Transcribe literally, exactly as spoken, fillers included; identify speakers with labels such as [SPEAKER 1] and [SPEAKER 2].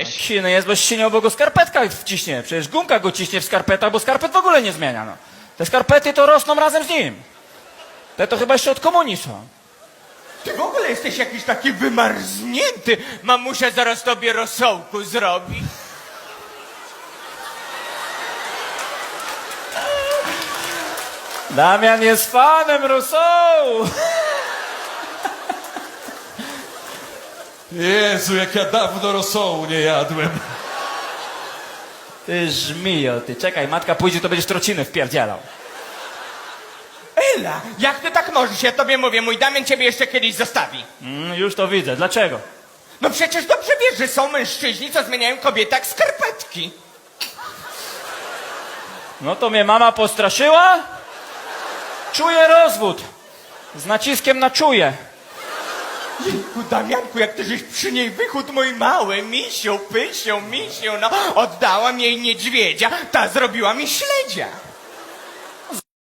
[SPEAKER 1] Siny jest, bo ścinie, bo go skarpetka wciśnie. Przecież gumka go ciśnie w skarpetach, bo skarpet w ogóle nie zmienia, no. Te skarpety to rosną razem z nim. Te to chyba jeszcze od komunii są.
[SPEAKER 2] Ty w ogóle jesteś jakiś taki wymarznięty. Mamusia zaraz tobie rosołku zrobi.
[SPEAKER 1] Damian jest fanem Rousseau.
[SPEAKER 3] Jezu, jak ja dawno rosołu nie jadłem.
[SPEAKER 1] Ty żmijo, ty. Czekaj, matka pójdzie, to będziesz trociny wpierdzielał.
[SPEAKER 2] Ela, jak ty tak możesz? Ja tobie mówię, mój Damian ciebie jeszcze kiedyś zostawi.
[SPEAKER 1] Mm, już to widzę. Dlaczego?
[SPEAKER 2] No przecież dobrze wiesz, że są mężczyźni, co zmieniają kobiety jak skarpetki.
[SPEAKER 1] No to mnie mama postraszyła. Czuję rozwód. Z naciskiem na czuję.
[SPEAKER 2] Jejku, Damianku, jak ty żeś przy niej wychód mój mały, misiu, pysiu, misiu, no. Oddałam jej niedźwiedzia, ta zrobiła mi śledzia.